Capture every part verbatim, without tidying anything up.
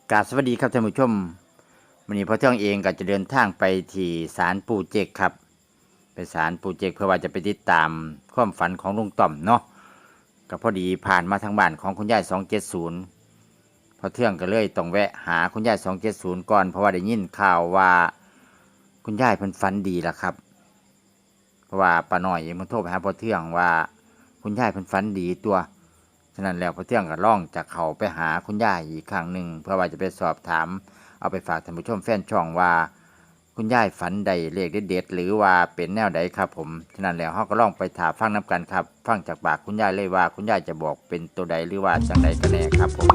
กราบสวัสดีครับท่านผู้ชมวันนี้พ่อเทืองเองก็จะเดินทางไปที่ศาลปู่เจกครับไปศาลปู่เจกเพื่อว่าจะไปติดตามความฝันของลุงต่อมเนาะก็พอดีผ่านมาทางบ้านของคุณยายสองเจ็ดศูนย์พ่อเทืองก็เลยต้องแวะหาคุณยายสองเจ็ดศูนย์ก่อนเพราะว่าได้ยินข่าวว่าคุณยายเพิ่นฝันดีแล้วครับเพราะว่าป้าน้อยเองมันโทรไปหาพ่อเทืองว่าคุณยายเพิ่นฝันดีตัวฉะนั้นแล้วพ่อเทืองก็ล่องจากเขาไปหาคุณยายอีกครั้งหนึ่งเพื่อว่าจะไปสอบถามเอาไปฝากท่านผู้ชมแฟนช่องว่าคุณยายฝันใดเลขเด็ดๆหรือว่าเป็นแนวใดครับผมฉะนั้นแล้วเราก็ล่องไปถามฟังน้ำกันครับฟังจากปากคุณยายเลยว่าคุณยายจะบอกเป็นตัวใดหรือว่าจังใดกันแน่ครับผม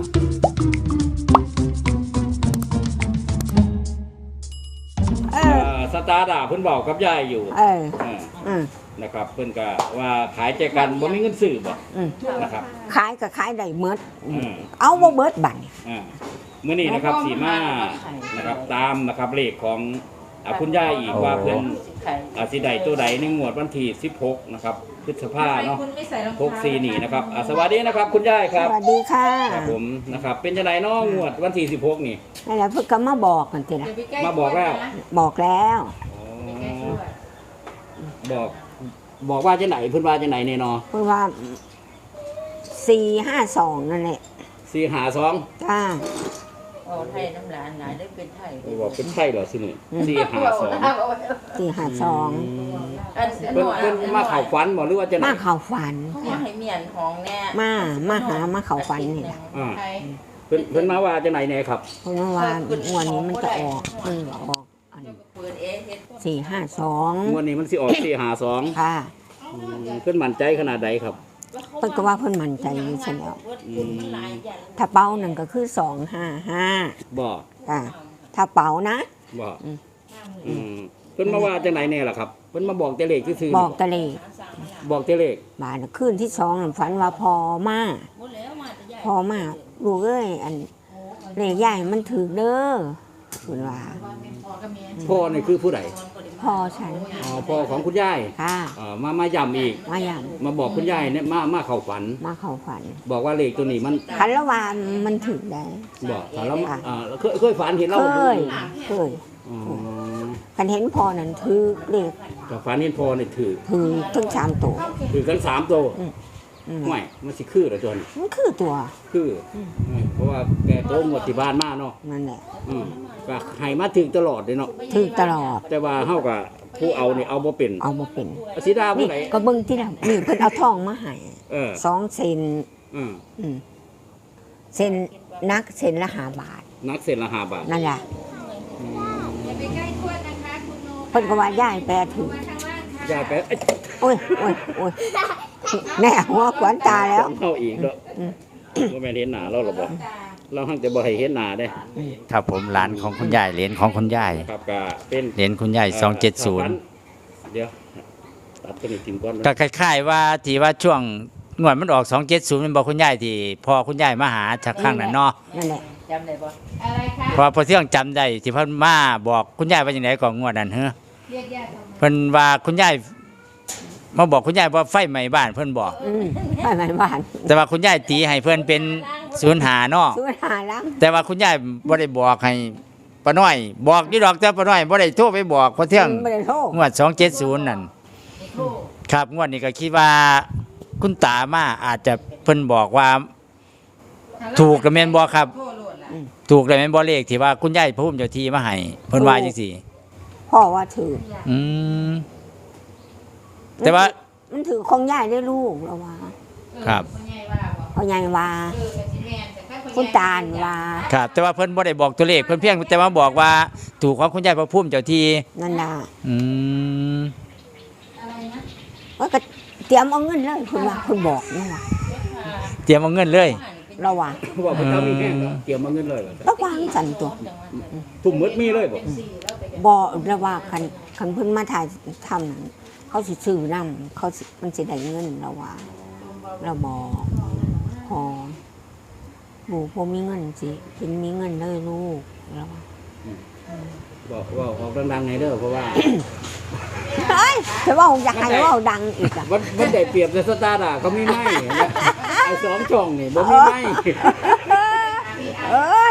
เออสตาร์ดาเพิ่นบอกกับยายอยู่เอออ่าอืมนะครับเพิ่นก็ว่าขายใจกันบ่มีเงินซื้อบ่อืมนะครับขายก็ขายได้เมิดอืมเอาบ่เบิดบัดนี้อ่ามื้อนี้นะครับสีมานะครับตามนะครับเลขของอ่าคุณยายอีกว่าเพิ่นอ่าสิได้ตัวใดในงวดวันที่สิบหกนะครับพฤษภาเนาะหกสี่นี่นะครับอ่าสวัสดีนะครับคุณยายคสรับวัสดีค่ะครับผมนะครับเป็นจังไดเนาะงวดวันที่สิบหกนี่นั่นแหละเพิ่นก็มาบอกกันทีละมาบอกแล้วบอกแล้วอ๋อบอกบอกว่าจังไหนเพิ่นว่าจังไหนเนี่ยเนาะเพิ่นว่าสี่ห้าสองนั่นแหละสี่หาสองจ้าโอ้ไทยน้ำลายหลายได้เป็นไทยบอกเป็นไทยเหรอสิหนึ่งสี่หาสองสี่ห้าสองอันเพิ่นเพิ่นมาเข่าฝันบอกหรือว่าจะไหนมาเข้าฝันอยากให้เมียนของแน่มามาหามาเข้าฝันนี่ล่ะอ่าเพิ่นเพิ่นมาว่าจะไหนแน่ครับเพราะว่างวดนี้มันจะออกมันก็ออกอันเปิดเองเฮ็ดสี่ห้าสองงวดนี้มันสิออกสี่หาสองค่ะเพิ่นมั่นใจขนาดใดครับเพิ่นก็ว่าเพิ่นมั่นใจอยู่ซะแล้วอืมถ้าเป้านั่นก็คือสองห้าห้าบอกจ้าถ้าเป๋านะบอกอืมอืมเพิ่นมาว่าจะไหนแน่ล่ะครับเพิ่นมาบอกแต่เลขซื่อๆบอกตะเลบอกแต่เลขบานคืนที่สองนั่นฝันว่าพอมาพอมาลูกเอ้ยอันเลขใหญ่มันถือเด้อคุณว่าพ่อนี่คือผู้ใดพ่อฉันอ๋อพ่อของคุณยายค่ะอ่ามามาย้ำอีกมาอย่างมาบอกคุณยายเนี่ยมามาเข้าฝันมาเข้าฝันบอกว่าเลขตัวนี้มันคันละวานมันถือได้บอกถามแล้วอ่าเคยเคยฝันเห็นเคเราดูยเคยอ๋อคันเห็นพอนั่นถือเลขแต่ฝันเห็นพอเนี่ยถือถือทั้งสามตัวถือกันสามตัวอืมไม่มันสิคือเหรอจนมันคือตัวคืออเพราะว่าแกโตหมดที่บ้านมาเนาะนั่นแหละอืมก็ให้มาถึงตลอดเลยเนาะถือตลอดแต่ว่าเฮากับผู้เอานี่เอาบ่เป็นเอามาเป็นสีดาผู้นี่ไหนก็เบิ่งที่ละนี่เพิ่นเอาทองมาให้เออสองเซนอืมอืมเซนนักเซนละห้าบาทนักเซ็นละห้าบาทนั่นแหละอย่าไปใกล้ขวดนะคะคุณโนเพิ่นก็ว่าย่ายแปรถือข้างล่างค่ะยายไปเอ้ยโอ้ยโอ้ยโอ้ยแน่หัวขวัญตาแล้วเฮาอีกเนาะบ่แม่นเห็นหน้าเราหรอกบ่เราหังแต่บ่ให้เห็นหน้าเด้ครับผมหลานของคุณยายเหรียญของคุณยายครับก็เป็นเหรียญคุณยายสองเจ็ดศูนย์เดี๋ยวตัดตัวนี้ทิ้งก่อนนะก็คล้ายๆว่าที่ว่าช่วงงวดมันออกสองเจ็ดศูนย์มันบอกคุณยายที่พอคุณยายมาหาจากข้างนั้นเนาะนั่นแหละจำได้บ่อะไรคะเพราะว่าพอเที่ยงจำได้ที่เพิ่นมาบอกคุณยายว่าอย่างไรก่อนงวดนั้นเฮ้อเรียกญาติออกมาเพิ่นว่าคุณยายมาบอกคุณยายว่าไฟไหม้บ้านเพิ่นบอกอืมไปไหนบ้านแต่ว่าคุณยายตีให้เพิ่นเป็นศูนย์หาเนาะซื้อหาล้างแต่ว่าคุณยายบ่ได้บอกให้ป้าน้อย บอกอยู่ดอกแต่ป้าน้อยบ่ได้โทรไปบอกพอเที่ยงไม่ได้โทษงวดสองเจ็ดศูนย์นั่นครับงวดนี้ก็คิดว่าคุณตามาอาจจะเพิ่นบอกว่า ถูกกับแม่นบ่ครับโทษโลดล่ะถูกเลยแม่นบ่เลขที่ว่าคุณยายพระพุ่มเจ้าที่มาให้เพิ่นว่าจังซี่พ่อว่าถืออืมแต่ว่ามันถือคงย่ายได้ลูกแล้วว่าครับเออคนใหญ่ว่าบ่พ่อใหญ่ว่าเออก็สิแม่นแต่ถ้านใหญ่คุณตาลว่าครับ แต่ว่าเพิ่นบ่ได้บอกตัวเลขเพิ่นเพียงแต่ว่าบอกว่า ถูกของคุณยายพระพุ่มเจ้าที่นั่นล่ะอืมอะไรนะว่าก็เตรียมเอาเงินเลยคุณว่าคุณบอกนี่ว่าเตรียมเอาเงินเลยเราว่าบอกว่าเจ้ามีแห้งแล้วเกี่ยวมาเงินเลยเหรอต้องวางสันตัวทุ่มหมดมีเลยบ่บ่เราว่าคันคันเพิ่นมาถ่ายทำนั้นเขาสิซื้อนํเขาสิมันสิได้เงินเราว่า เราบอกพอหมูพอมีเงินสิเป็นมีเงินเลยลูกเราว่าบอกว่าออกดังๆไงเด้อเพราะว่าเฮ้ยจะว่าอยากให้ว่าดังอีกอ่ะมันมันได้เปรียบในสตาร์ดาเขามีไม้เห็นไหมไอ้สองช่องนี่บ่มีไม้เอ้ยอ่ะ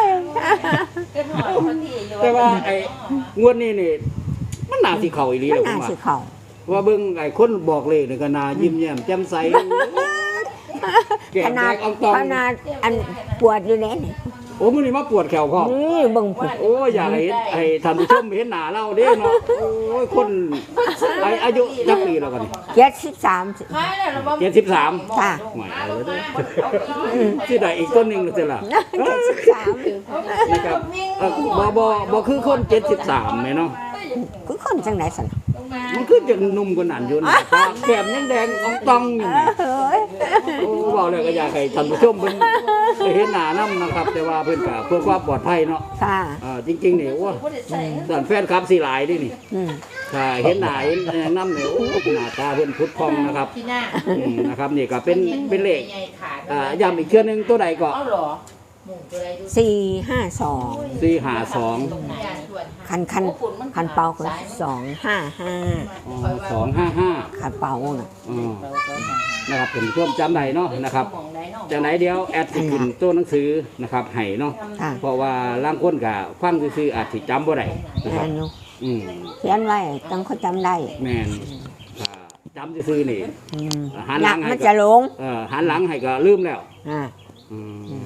เป็นหอยคนที่อยู่แต่ว่าไอ้งวดนี้นี่มันน่าสิเข้าอีหลีมันแหล้วผน่ามว่าสิเข้าว่าเบิ่งไอ้คนบอกเลขนี่ก็น่ายิ้มแย้มแจ่มใสแก้ขมนาแดดงอองตองขนาดอันปวดอยู่แน่นี่โอ้มื้อนี้มาปวดแขวพ่อนี่เบิ่งพุ่นโอ้ยอยากให้ให้ท่านผู้ชมเห็นหน้าเราเด้เนาะโอ้ยคนไอ้อายุจักปีแล้วกันนี่เจ็ดสิบสามขายแล้วเราบ่เจ็ดสิบสามจ้ะหมายเอาเลยเด้อสิได้อีกต้นหนึงแล้วสิล่ะเจ็ดสิบสามนะครับเอ่อบ่บ่บ่คือคนเจ็ดสิบสามแม่เนาะคือคนจังไหนสันมันคือจะหนุ่มกว่านั้นอยู่นะตาแก้มยังแดงอองตองอยู่นี่เฮ้ยโอ้บอกเลยก็อยากให้ท่านผู้ชมเพิ่นได้เห็นหน้านํนะครับ แต่ว่าเพิ่นก็เพื่อความปลอดภัยเนาะค่ะเอ่อจริงๆนี่โอ้ด้านแฟนคลับสิหลายเดินี่อืมถ้าเห็นหน้าเห็นนำนี่โอ้หน้าตาเพิ่นพุดพองนะครับที่หน้าอืมนะครับนี่ก็เป็นเป็นเลขใหญ่ขาดอ่าย้ำอีกเทื่อนึงตัวใดก็เอาเหรอหมูตัวใดดูสี่ห้าสองสี่ห้าสองคันคันคันเป่าก็สองห้าห้าอ๋อสองห้าห้าคันเป่าน่ะอ๋อนะครับผมช่วมจำได้เนาะนะครับมองได้เนาะจากไหนเดียวแอดสิขึ้นตัวหนังสือนะครับให้เนาะค่ะเพราะว่าล่างคนกับฟังซื่อๆอาจสิจำบ่ได้นะคแม่รับนอยู่อืมเขียนไว้ต้องเขาจำได้แม่นถ้าจำซื่อๆนี่อืมหันหลังให้มันจะหลงเออหันหลังให้ก็ลืมแล้วอ่าอืม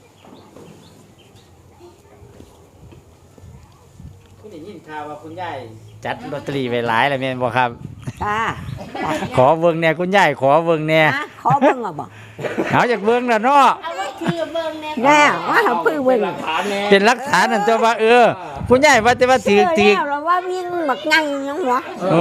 คุณได้ยินข่าวว่าคุณยายจัดลอตเตอรี่ไว้หลายแล้วแม่นบ่ครับจ้าขอเบิ่งแหน่คุณยายขอเบิ่งแหน่อ่ะขอเบิ่งอ่ะบอกเอาจากเบิ่งแล้วเนาะเอาไว้คือเบิ่งแน่แน่ว่าเขาเพิ่งเบิ่งหลักฐานแน่เป็นหลักฐานนั่นตัวว่าเออ คุณยายว่าแต่ว่าถือเชื่ถืออแล้วเราว่าวิ่งบักงังยังวะโอ้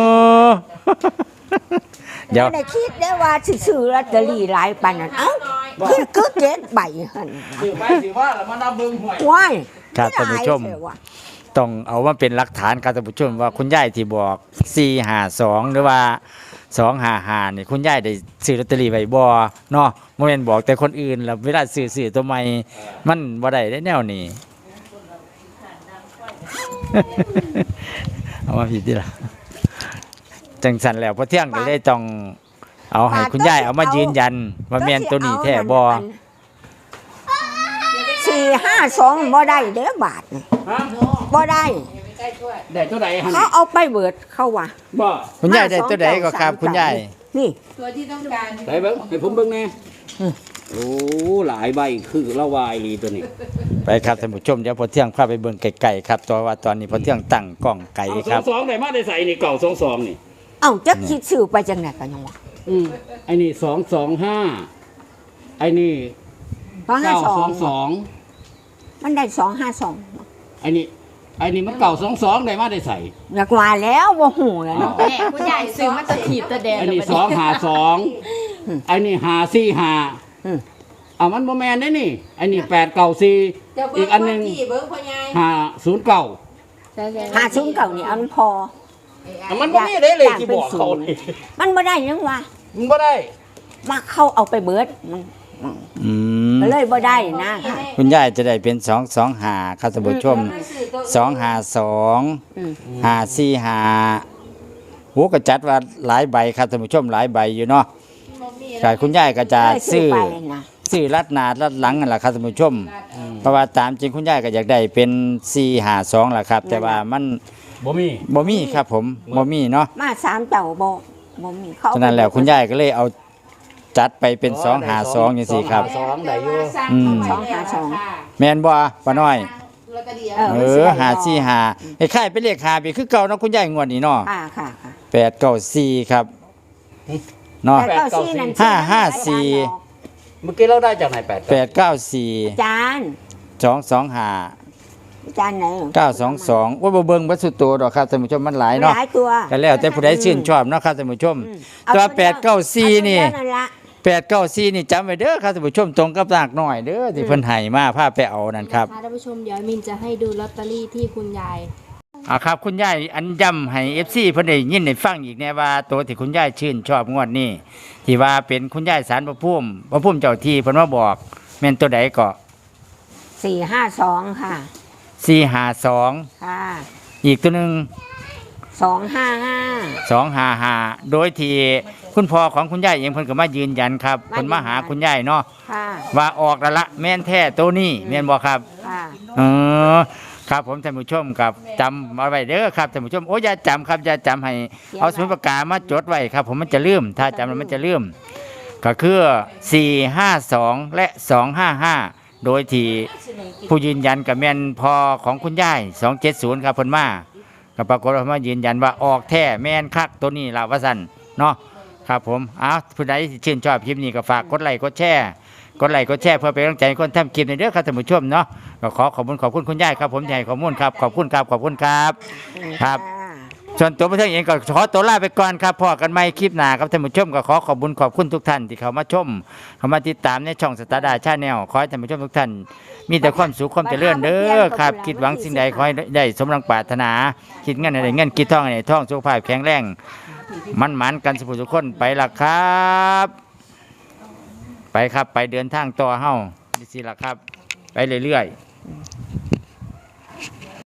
เดี๋ยวไม่ได้คิดได้ว่าซื้อลอตเตอรี่หลายปานนั้นเอ้าคือคือเจ็ดใบหั่นถือไปถือว่าแล้วมานับเบิ่งหวยว้ายครับท่านผู้ชมหลายเสียว่ะต้องเอามาเป็นหลักฐานครับท่านผู้ชมว่าคุณยายที่บอกสี่ห้าสองหรือว่าสองห้าห้านี่คุณยายได้ซื้อลอตเตอรี่ไว้บ่เนาะบ่แม่นบอกแต่คนอื่นแล้วเวลาซื้อซื้อตัวใหม่มันบ่ได้ได้แนวนี้ เอามาผิดดิล่ะจังสันแล้วพอเที่ยงก็เลยต้องเอาให้คุณยายเอามายืนยันว่าแม่นตัวนี้แท้บ่สี่ห้าสองบ่ได้เด้อบาทนี่ฮะบ่ได้ใกล้ถ้วยได้เท่าไหร่หั่นเขาเอาไปเบิดเขาว่าบ่คุณยายได้ตัวใดก็ครับคุณยายนี่ตัวที่ต้องการได้เบิ่งให้ผมเบิ่งแน่อืมโอ้หลายใบคือละวายลีตัวนี้ไปครับท่านผู้ชมเดี๋ยวพอเที่ยงพาไปเบิ่งไก่ๆครับตัวว่าตอนนี้พอเที่ยงตั้งกล้องไก่เอาครับสองสองได้มาได้ใส่นี่เก่าสองสองนี่เอ้าจักคิดซื้อไปจังไหนกันยังวะอืมไอ้นี่สองสองห้าไอ้นี่สองห้าเก้าสอสอง งสองมันได้สองห้าสองไอ้นี่ไอ้นี่มันเก่าสองสองได้มาได้ใส่อยากมาแล้วบ่หูเลยเนาะแม่คุณยายซื้อมาตะขีบตะแดงไอ้นี่สองหาสองไอ้นี่หาสี่หาอืมอ่ะมันโมแมนได้นี่ไอ้นี่แปดเก่าสี่เดี๋ยวเบิ่อีงกอันหนึงที่เบิ่งพ่อยายหาศูนย์เก่าหาซุ้มเก่านี่เอามันพออ่ะมันบ่มีได้เลยที่บอกเขานี่มันบ่ได้ยังวะมันบ่ได้มาเข้าเอาไปเบิดมันอืมก็เลยบ่ได้นะค่ะคุณยายจะได้เป็นสองสองหาครับท่านผู้ชมสองหาสองอืมหาสี่หาโอ้ก็จัดว่าหลายใบครับท่านผู้ชมหลายใบอยู่เนาะกายคุณยายก็จะเลยซื้อไปนะซื้อรัดหนารัดหลังนั่นแหละครับท่านผู้ชมเพราะว่าตามจริงคุณยายก็อยากได้เป็นสี่หาสองแหละครับ แต่ว่ามันบ่มีบ่มีครับผมบ่มีเนาะมาสามเจ้าบ่บ่มีเขาฉะนั้นแล้วคุณยายก็เลยเอาจัดไปเป็นสองหาสองอย่างสี่ครับสองได้อยู่อืมสองหาสองแม่นบ่ป้าน้อยลอตเตอรี่เออเอมันสิอได้หาสี่หาไอ้ค่ายเป็นเลขหาไปคือเก่าเนาะคุณยายงวดนี้เนาะค่ะค่ะค่ะแปดเก้าสี่ครับเนาะแต่เก้าสี่นั่นห้าห้าสี่เมื่อกี้เราได้จากไหนแปดแปดเก้าสี่จานสองสองหาจานไหนเก้าสองสองว่าบ่เบิ่งบัดสุดโตดอกครับท่านผู้ชมมันหลายเนาะหลายตัวก็แล้วแต่ผู้ใดชื่นชอบเนาะครับท่านผู้ชมอืมตัวอแปดเก้าสี่นี่เอาตัวเดียวนั่นละแปดเก้าสี่นี่จำไว้เด้อครับท่านผู้ชมตรงกับนากน้อยเด้อที่เพิ่นให้มาพาไปเอานั่นครับท่านผู้ชมเดี๋ยวมินจะให้ดูลอตเตอรี่ที่คุณยายอ่าครับคุณยายอันย้ำให้ เอฟ ซี เพิ่นได้ยินได้ฟังอีกแน่ว่าตัวที่คุณยายชื่นชอบงวดนี้ที่ว่าเป็นคุณยายสารพระภูมิพระภูมิเจ้าที่เพิ่นมาบอกแม่นตัวใดก็สี่ห้าสองค่ะสี่ห้าสองค่ะอีกตัวหนึงสองห้าห้าสองห้าห้าโดยที่คุณพ่อของคุณยายเองเพิ่นก็มายืนยันครับเพิ่นมาหาคุณยายเนาะค่ะว่าออกแล้วละแม่นแท้ตัวนี้แม่นบ่ครับค่ะค่ะเออครับผมท่านผู้ชมครับจำเอาไว้เด้อครับท่านผู้ชมโอ้ยอย่าจำครับอย่าจำให้เอาสมุดปากกามาจดไว้ครับ ผมมันจะลืมถ้าจำแล้วมันจะลืมก็คือสี่ห้าสองและสองห้าห้าโดยที่ผู้ยืนยันกับแม่นพอของคุณยายสองเจ็ดศูนย์ครับเพิ่นมาก็ปรากฏว่ามายืนยันว่าออกแท้แม่นคักตัวนี้ล่ะว่าซั่นเนาะครับผมอ้าวผู้ใดที่ชื่นชอบคลิปนี้ก็ฝากกดไลค์กดแชร์กดไลค์กดแชร์เพื่อเป็นกำลังใจให้คนทำคลิปในเด้อครับท่านผู้ชมเนาะก็ขอขอบคุณขอบคุณคุณยายครับผมที่ให้ข้อมูลครับขอบคุณครับขอบคุณครับ ครับ ส่วนตัวพระเจ้าเองก็ขอตัวลาไปก่อนครับพอกันใหม่คลิปหน้าครับท่านผู้ชมก็ขอขอบคุณขอบคุณทุกท่านที่เข้ามาชมเข้ามาติดตามในช่องสตาร์ดาชาแนลขอให้ท่านผู้ชมทุกท่านมีแต่ความสุขความเจริญเด้อครับคิดหวังสิ่งใดขอให้ได้สมดังปรารถนาคิดเงินอะไรเงินคิดทองอะไรทองสุขภาพแข็งแรงมันหมันกันสุขทุกคนไปละครับ ไปครับไปเดินทางต่อเฮ้านี่สิละครับ ไปเรื่อยๆ